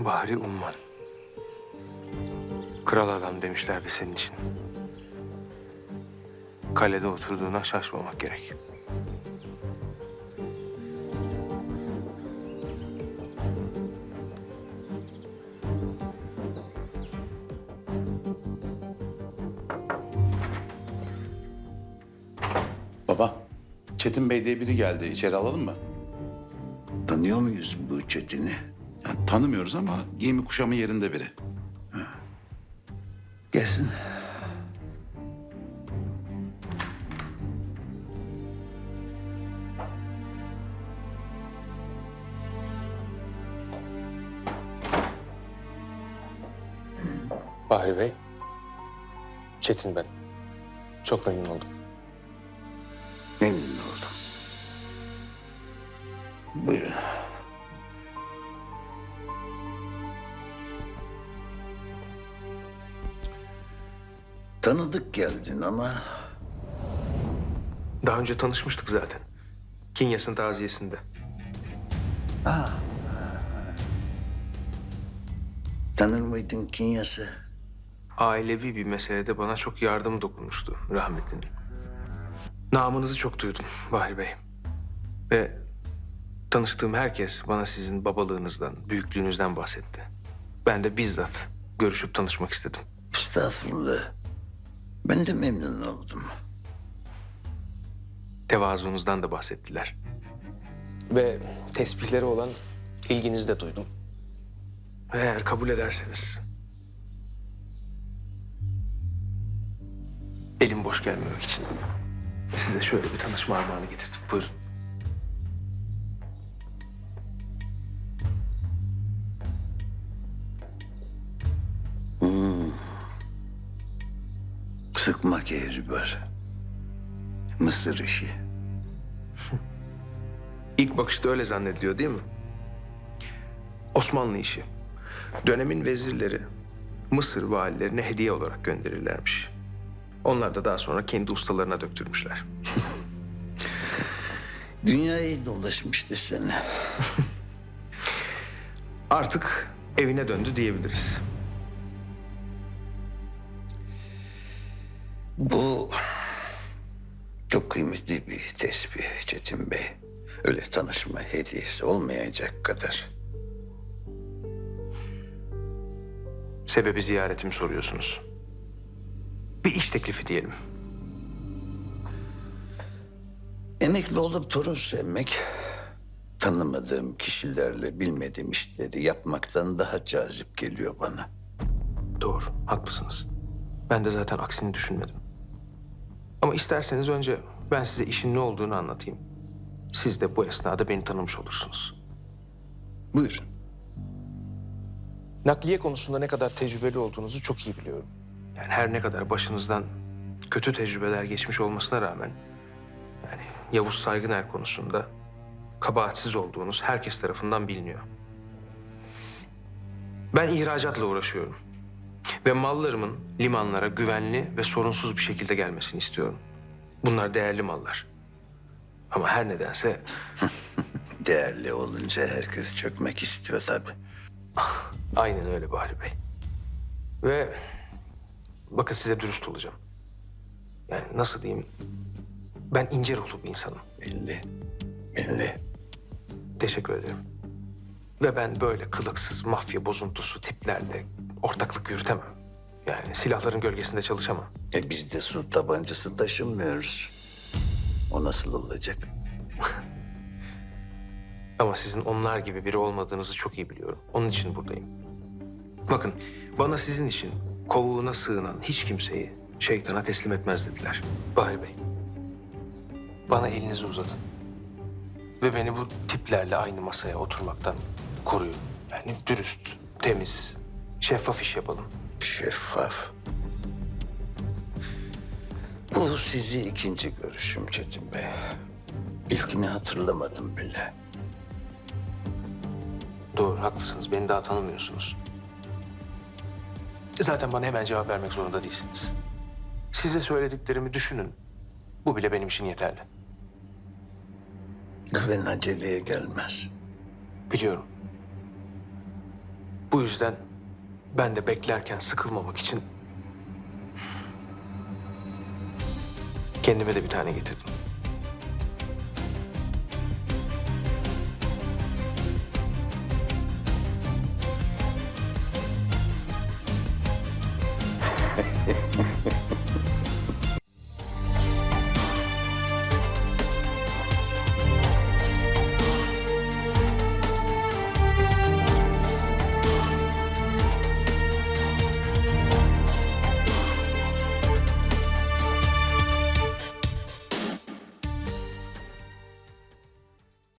Bahri Umman. Kral adam demişlerdi senin için. Kalede oturduğuna şaşmamak gerek. Baba, Çetin Bey diye biri geldi. İçeri alalım mı? Tanıyor muyuz bu Çetin'i? Yani tanımıyoruz ama giyimi kuşamı yerinde biri. Gelsin. Bahri Bey. Çetin ben. Çok memnun oldum. Memnun oldum. Buyurun. Tanıdık geldin ama Daha önce tanışmıştık zaten. Kinyas'ın taziyesinde. tanır mıydın Kinyas'ı? Ailevi bir meselede bana çok yardım dokunmuştu rahmetlinin. Namınızı çok duydum Bahri Bey. Ve tanıştığım herkes bana sizin babalığınızdan, büyüklüğünüzden bahsetti. Ben de bizzat görüşüp tanışmak istedim. Estağfurullah. Ben de memnun oldum. Tevazunuzdan da bahsettiler. Ve tesbihleri olan ilginizi de duydum. Ve eğer kabul ederseniz... elim boş gelmemek için size şöyle bir tanışma armağanı getirdim. Buyurun. Sıkma kehribar. Mısır işi. İlk bakışta öyle zannediliyor değil mi? Osmanlı işi. Dönemin vezirleri Mısır valilerine hediye olarak gönderirlermiş. Onlar da daha sonra kendi ustalarına döktürmüşler. Dünyayı dolaşmıştı seni. Artık evine döndü diyebiliriz. Bu çok kıymetli bir tesbih Çetin Bey. Öyle tanışma hediyesi olmayacak kadar. Sebebi ziyaretimi soruyorsunuz. Bir iş teklifi diyelim. Emekli olup torun sevmek, tanımadığım kişilerle bilmediğim işleri yapmaktan daha cazip geliyor bana. Doğru, haklısınız. Ben de zaten aksini düşünmedim. Ama isterseniz önce ben size işin ne olduğunu anlatayım. Siz de bu esnada beni tanımış olursunuz. Buyurun. Nakliye konusunda ne kadar tecrübeli olduğunuzu çok iyi biliyorum. Yani her ne kadar başınızdan kötü tecrübeler geçmiş olmasına rağmen... yani Yavuz Saygıner konusunda kabahatsiz olduğunuz herkes tarafından biliniyor. Ben ihracatla uğraşıyorum. Ve mallarımın limanlara güvenli ve sorunsuz bir şekilde gelmesini istiyorum. Bunlar değerli mallar. Ama her nedense Değerli olunca herkes çökmek istiyor tabii. aynen öyle Bahri Bey. Ve bakın size dürüst olacağım. Yani nasıl diyeyim? Ben ince ruhlu bir insanım. Belli, belli. Teşekkür ederim. Ve ben böyle kılıksız mafya bozuntusu tiplerle ortaklık yürütemem. Yani silahların gölgesinde çalışamam. Biz de su tabancası taşımıyoruz. O nasıl olacak? Ama sizin onlar gibi biri olmadığınızı çok iyi biliyorum. Onun için buradayım. Bakın, bana sizin için kovuğuna sığınan hiç kimseyi şeytana teslim etmez dediler. Bahri Bey, bana elinizi uzatın. Ve beni bu tiplerle aynı masaya oturmaktan koruyun. Yani dürüst, temiz, şeffaf iş yapalım. Şeffaf. Bu sizi ikinci görüşüm Çetin Bey. İlkini hatırlamadım bile. Doğru, haklısınız. Beni daha tanımıyorsunuz. Zaten bana hemen cevap vermek zorunda değilsiniz. Size söylediklerimi düşünün. Bu bile benim için yeterli. Güven aceleye gelmez. Biliyorum. Bu yüzden ben de beklerken sıkılmamak için kendime de bir tane getirdim.